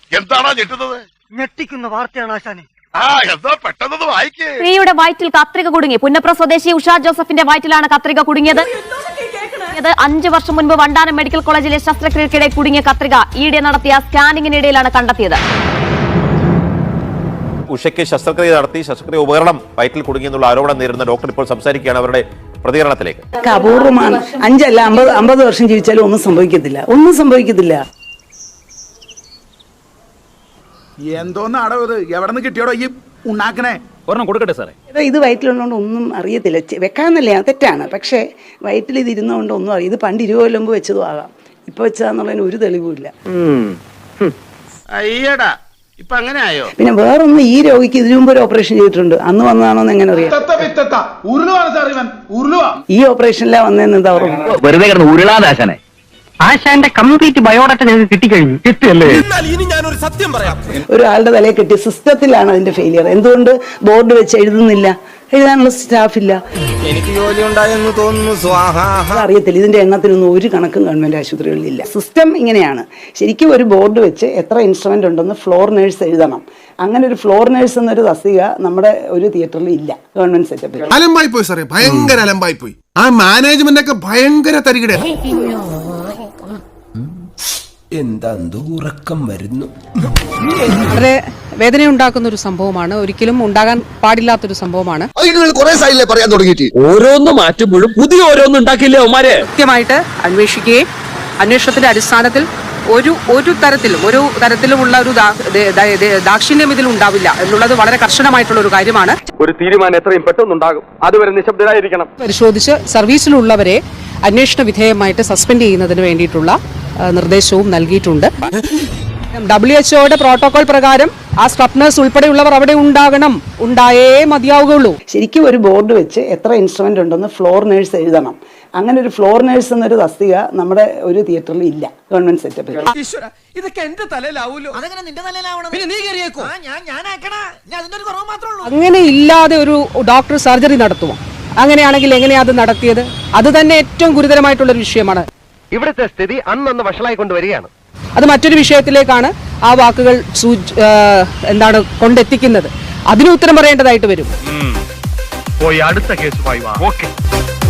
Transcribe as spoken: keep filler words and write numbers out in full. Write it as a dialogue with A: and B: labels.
A: എന്താണോ ഞെട്ടുന്നത്?
B: ഞെട്ടിക്കുന്ന വാർത്തയാണ് ആശാനെ.
A: ആ എന്താ പെട്ടെന്ന് വായിക്കേ.
C: സ്ത്രീയുടെ വയറ്റിൽ കത്രിക കുടുങ്ങി. പുന്നപ്ര സ്വദേശി ഉഷ ജോസഫിന്റെ വയറ്റിലാണ് കത്രിക കുടുങ്ങിയത്. അഞ്ചു വർഷം മുൻപ് വണ്ടാനം മെഡിക്കൽ കോളേജിലെ ശസ്ത്രക്രിയക്കിടെ കുടുങ്ങിയ കത്രിക ഈയിടെ നടത്തിയ സ്കാനിങ്ങിനിടയിലാണ് കണ്ടെത്തിയത്.
D: ഉഷയ്ക്ക് ശസ്ത്രക്രിയ നടത്തി ശസ്ത്രക്രിയ ഉപകരണം വയറ്റിൽ കുടുങ്ങിയെന്നുള്ള ആരോപണം നേരിടുന്ന ഡോക്ടർ ഇപ്പോൾ സംസാരിക്കുകയാണ്. അവരുടെ പ്രതികരണത്തിലേക്ക്.
E: അപൂർവമാണ്. അഞ്ചല്ല അമ്പത് അമ്പത് വർഷം ജീവിച്ചാലും ഒന്നും സംഭവിക്കത്തില്ല, ഒന്നും സംഭവിക്കത്തില്ല.
F: എന്തോന്നാടോ ഇത്? എവിടെ നിന്ന് കിട്ടിയോടോ ഈ ഉണ്ടാക്കണേ? ഒരെണ്ണം കൊടുക്കട്ടെ സാറേ.
E: ഇത് വയറ്റിലുള്ളതുകൊണ്ട് ഒന്നും അറിയത്തില്ല. വെക്കാന്നല്ലേ, തെറ്റാണ്. പക്ഷേ വയറ്റിൽ ഇത് ഇരുന്നുകൊണ്ട് ഒന്നും അറിയാം. ഇത് പണ്ട് ഇരുപത് കൊല്ലം മുമ്പ് വെച്ചതും ആകാം, ഇപ്പൊ വെച്ചാന്നുള്ളതിന് ഒരു തെളിവുമില്ല.
A: അയ്യടാ, ഇപ്പൊ അങ്ങനെ ആയോ?
E: പിന്നെ വേറൊന്ന്, ഈ രോഗിക്ക് ഇതിനു മുമ്പ് ഒരു ഓപ്പറേഷൻ ചെയ്തിട്ടുണ്ട്. അന്ന് വന്നതാണോന്ന് എങ്ങനെ അറിയാം? ഈ ഓപ്പറേഷനിലാ വന്നതെന്ന് എന്താ ഓർമ്മ?
G: വെറുതെ കിടന്ന് ഉരുളാദാശനെ. ആശാന്റെ കംപ്ലീറ്റ് ബയോഡാറ്റ ഞങ്ങൾക്ക് കിട്ടിക്കഴിഞ്ഞു. കിട്ടിയല്ലേ?
E: ഒരാളുടെ തലയെ കെട്ടി സിസ്റ്റത്തിലാണ് അതിന്റെ ഫെയിലിയർ. എന്തുകൊണ്ട് ബോർഡ് വെച്ച് എഴുതുന്നില്ല? എഴുതാനുള്ള സ്റ്റാഫില്ല.
H: എനിക്ക് ജോലി ഉണ്ടായെന്ന് തോന്നുന്നു.
E: അറിയത്തില്ല, ഇതിന്റെ എണ്ണത്തിനൊന്നും ഒരു കണക്കും ഗവൺമെന്റ് ആശുപത്രികളിലില്ല. സിസ്റ്റം ഇങ്ങനെയാണ്. ശരിക്കും ഒരു ബോർഡ് വെച്ച് എത്ര ഇൻസ്ട്രുമെന്റ് ഉണ്ടെന്ന് ഫ്ലോർ നേഴ്സ് എഴുതണം. അങ്ങനെ ഒരു ഫ്ലോർ നേഴ്സ് എന്നൊരു തസ്തിക നമ്മുടെ ഒരു തിയേറ്ററിൽ ഇല്ല ഗവൺമെന്റ് സെറ്റപ്പിൽ.
I: അലമ്പായി പോയി സാറേ, ഭയങ്കര അലമ്പായി പോയി. ആ മാനേജ്മെന്റ് ഒക്കെ ഭയങ്കര തരികിട.
H: എന്താ ഉറക്കം വരുന്നു.
J: വളരെ വേദനയുണ്ടാക്കുന്ന ഒരു സംഭവമാണ്. ഒരിക്കലും ഉണ്ടാകാൻ പാടില്ലാത്തൊരു സംഭവമാണ്.
H: പറയാൻ തുടങ്ങിയിട്ട് ഓരോന്ന് മാറ്റുമ്പോഴും പുതിയ ഓരോന്നും ഉണ്ടാക്കില്ലേ അവന്മാരെ.
J: കൃത്യമായിട്ട് അന്വേഷിക്കുകയും അന്വേഷണത്തിന്റെ അടിസ്ഥാനത്തിൽ ഒരു ഒരു തരത്തിലും ഒരു തരത്തിലുമുള്ള ഒരു ദാക്ഷിണ്യം ഇതിൽ ഉണ്ടാവില്ല എന്നുള്ളത് വളരെ കർശനമായിട്ടുള്ള ഒരു കാര്യമാണ്.
G: ഒരു തീരുമാനം എത്രയും പെട്ടെന്നുണ്ടാകും. അതുവരെ നിശബ്ദരായിരിക്കണം.
J: പരിശോധിച്ച് സർവീസിലുള്ളവരെ അന്വേഷണ വിധേയമായിട്ട് സസ്പെൻഡ് ചെയ്യുന്നതിന് വേണ്ടിയിട്ടുള്ള നിർദ്ദേശവും നൽകിയിട്ടുണ്ട്. ഡബ്ല്യു എച്ച്ഒയുടെ പ്രോട്ടോകോൾ പ്രകാരം ആ സ്ക്രബ്നേഴ്സ് ഉൾപ്പെടെയുള്ളവർ അവിടെ ഉണ്ടാകണം, ഉണ്ടായേ മതിയാവുകയുള്ളൂ.
E: ശരിക്കും ഒരു ബോർഡ് വെച്ച് എത്ര ഇൻസ്ട്രുമെന്റ് ഉണ്ടെന്ന് ഫ്ലോർ നേഴ്സ് എഴുതണം. അങ്ങനെ ഒരു ഫ്ലോർ നേഴ്സ് എന്നൊരു തസ്തിക നമ്മുടെ ഒരു തിയേറ്ററിൽ ഇല്ല ഗവൺമെന്റ് സെറ്റപ്പിൽ.
H: ഇതൊക്കെ എന്റെ തലയിലാവൂലോ? അതെങ്ങനെ നിന്റെ തലയിലാവണം? പിന്നെ നീ കയറിയേക്കോ?
J: അങ്ങനെ ഇല്ലാതെ ഒരു ഡോക്ടർ സർജറി നടത്തുമോ? അങ്ങനെയാണെങ്കിൽ എങ്ങനെയാ അത് നടത്തിയത്? അത് തന്നെ ഏറ്റവും ഗുരുതരമായിട്ടുള്ള ഒരു വിഷയമാണ്.
G: ഇവിടുത്തെ സ്ഥിതി അന്നന്ന് വഷളായിക്കൊണ്ടുവരികയാണ്.
J: അത് മറ്റൊരു വിഷയത്തിലേക്കാണ് ആ വാക്കുകൾ എന്താണ് കൊണ്ടെത്തിക്കുന്നത്. അതിന് ഉത്തരം പറയേണ്ടതായിട്ട് വരും.
G: പോയി അടുത്ത കേസുമായി വാ. ഓക്കേ.